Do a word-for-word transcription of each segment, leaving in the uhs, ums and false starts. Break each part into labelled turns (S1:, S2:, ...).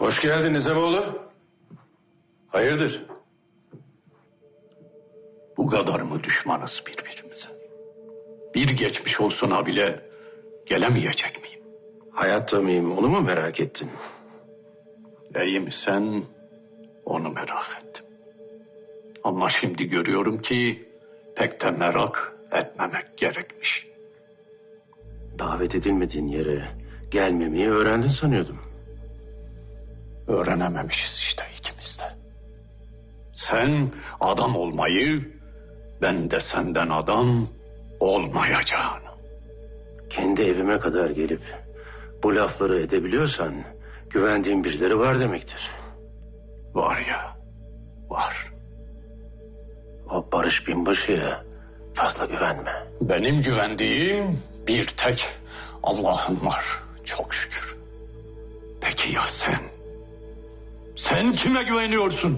S1: Hoş geldin Nizamoğlu. Hayırdır?
S2: Bu kadar mı düşmanız birbirimize? Bir geçmiş olsun ha bile gelemeyecek miyim?
S1: Hayatta mıyım onu mu merak ettin?
S2: İyi misin? Onu merak ettim. Ama şimdi görüyorum ki pek de merak etmemek gerekmiş.
S1: Davet edilmediğin yere gelmemeyi öğrendin sanıyordum.
S2: Öğrenememişiz işte ikimiz de. Sen adam olmayı, ben de senden adam olmayacağını.
S1: Kendi evime kadar gelip bu lafları edebiliyorsan güvendiğin birileri var demektir.
S2: Var ya, var.
S1: O Barış Binbaşı'ya fazla güvenme.
S2: Benim güvendiğim bir tek Allah'ım var, çok şükür. Peki ya sen? Sen kime güveniyorsun?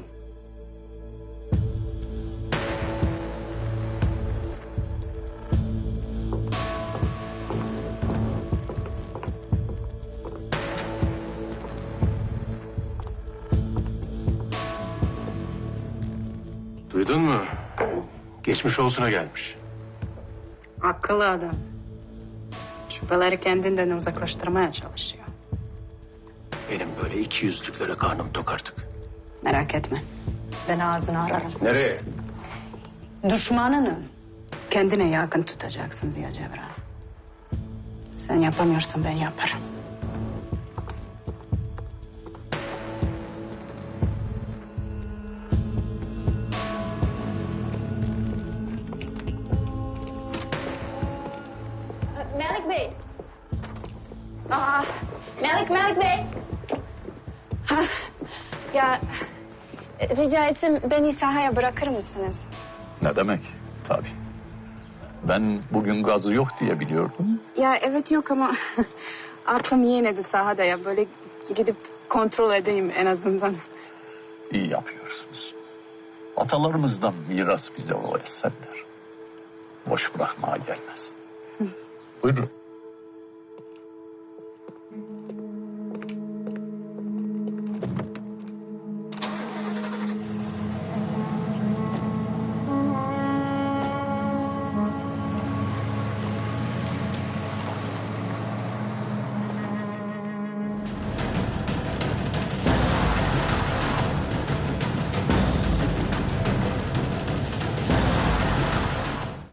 S1: Duydun mu? Geçmiş olsuna gelmiş.
S3: Akıllı adam. Şüpheleri kendinden uzaklaştırmaya çalışıyor.
S1: Benim böyle iki yüzlüklere karnım tok artık.
S3: Merak etme. Ben ağzını ararım.
S1: Nereye?
S3: Düşmanını kendine yakın tutacaksın Ziya Cevran. Sen yapamıyorsan ben yaparım.
S4: Melik Bey. Aa, Melik, Melik Bey. Ha, ya rica etsem beni sahaya bırakır mısınız?
S2: Ne demek? Tabii. Ben bugün gazı yok diye biliyordum.
S3: Ya evet yok ama aklım yine de sahada ya. Böyle gidip kontrol edeyim en azından.
S2: İyi yapıyorsunuz. Atalarımızdan miras bize o eserler. Boş bırakmaya gelmez. Buyurun.